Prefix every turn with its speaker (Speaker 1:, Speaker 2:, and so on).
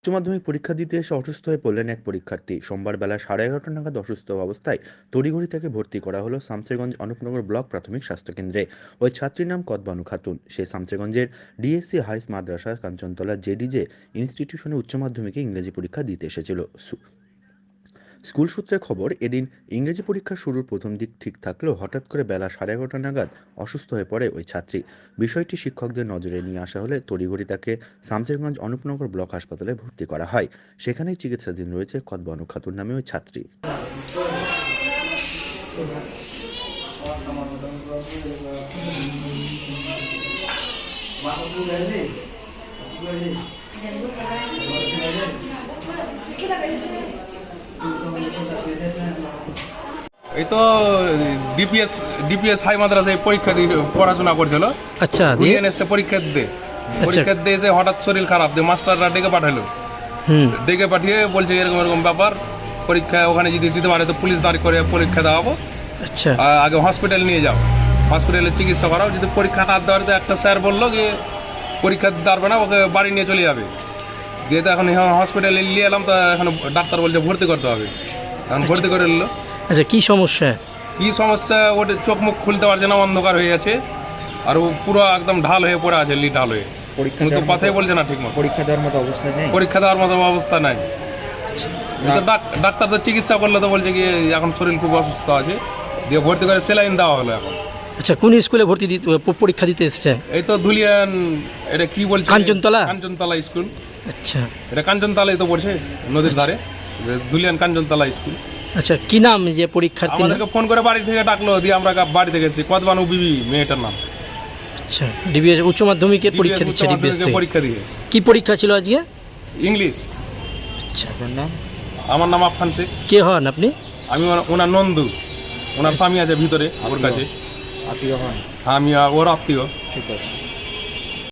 Speaker 1: উচ্চ মাধ্যমিক পরীক্ষা দিতে এসে অসুস্থ হয়ে পড়লেন এক পরীক্ষার্থী। সোমবার বেলা 11:30 নাগাদ অসুস্থ অবস্থায় তড়িঘড়ি তাকে ভর্তি করা হলো শামসেরগঞ্জ অনুপনগর ব্লক প্রাথমিক স্বাস্থ্যকেন্দ্রে। ওই ছাত্রীর নাম কদবানু খাতুন। সে শামসেরগঞ্জের ডিএসসি হাইস মাদ্রাসা কাঞ্চনতলা জেডিজে ইনস্টিটিউশনে উচ্চ মাধ্যমিকে ইংরেজি পরীক্ষা দিতে এসেছিল। স্কুল সূত্রে খবর, এদিন ইংরেজি পরীক্ষা শুরুর প্রথম দিক ঠিক থাকলেও হঠাৎ করে বেলা 11:30 নাগাদ অসুস্থ হয়ে পড়ে ওই ছাত্রী। বিষয়টি শিক্ষকদের নজরে নিয়ে আসা হলে তড়িঘড়ি তাকে শামসেরগঞ্জ অনুপনগর ব্লক হাসপাতালে ভর্তি করা হয়। সেখানেই চিকিৎসাধীন রয়েছে কদবানু খাতুন নামে ওই ছাত্রী।
Speaker 2: এই তো ডিপিএস ডিপিএস হাই মাদ্রাসায় পরীক্ষা দিয়ে পড়াশোনা করছিল।
Speaker 3: আচ্ছা,
Speaker 2: দিয়ে এসে পরীক্ষা দিয়ে এসে হঠাৎ শরীর খারাপ, দিয়ে মাস্টাররা ডেকে পাঠালো। ডেকে পাঠিয়ে বলছে এরকম এরকম ব্যাপার, পরীক্ষা ওখানে যদি দিতে পারে তো পুলিশ দাঁড় করে পরীক্ষা দেওয়াবো।
Speaker 3: আচ্ছা,
Speaker 2: আগে হসপিটাল নিয়ে যাও, হসপিটালে চিকিৎসা করাও। যদি পরীক্ষা না দেওয়ার, একটা স্যার বললো যে পরীক্ষা দিতে পারবে না, ওকে বাড়ি নিয়ে চলে যাবে। দিয়ে তো এখন হসপিটালে নিয়ে এলাম, তো এখন ডাক্তার বলছে ভর্তি করতে হবে। এখন ভর্তি করে নিল।
Speaker 3: আচ্ছা, কি সমস্যা?
Speaker 2: কি সমস্যা, ওটা চোখ মুখ খুলতে পারছে না, অন্ধকার হয়ে আছে, আর ও পুরো একদম ঢাল হয়ে পড়ে আছে, ঢাল হয়ে। কথাই বলছে না ঠিক মতো।
Speaker 4: পরীক্ষা দেওয়ার মতো অবস্থা নেই।
Speaker 2: পরীক্ষা দেওয়ার মতো অবস্থা নাই। ডাক্তার তো চিকিৎসা করলে তো বলছে কি এখন শরীর খুব অসুস্থ আছে, দিয়ে ভর্তি করে সেলাইন দেওয়া হলো এখন।
Speaker 3: আচ্ছা, কোন স্কুলে ভর্তি দিতে পরীক্ষা দিতে এসেছে?
Speaker 2: এই তো ধুলিয়ান, এটা কি বলছে,
Speaker 3: কাঞ্চনতলা
Speaker 2: স্কুল।
Speaker 3: আচ্ছা,
Speaker 2: এটা কাঞ্চনতলায় তো পড়ছে, নদীর ধারে। ধুলিয়ান কাঞ্চনতলা স্কুল।
Speaker 3: আচ্ছা, কি নাম যে পরীক্ষার্থী?
Speaker 2: আমাদেরকে ফোন করে বাড়ি থেকে ডাকলো, দিয়ে আমরা বাড়ি থেকে এসেছি। কদবানু বিবি মেয়েটার নাম।
Speaker 3: আচ্ছা, ডিবিএস উচ্চ মাধ্যমিকের পরীক্ষা দিচ্ছে। ডিবিএস
Speaker 2: পরীক্ষা দিয়ে
Speaker 3: কি পরীক্ষা ছিল আজকে?
Speaker 2: ইংলিশ।
Speaker 3: আচ্ছা,
Speaker 4: আপনার নাম?
Speaker 2: আমার নাম আফফান শেখ।
Speaker 3: কে হন আপনি?
Speaker 2: আমি ওনার নন্দু, ওনার স্বামী আছে ভিতরে ওর কাছে।
Speaker 4: আত্মীয় হন?
Speaker 2: আমি ওর আত্মীয়।
Speaker 4: ঠিক আছে।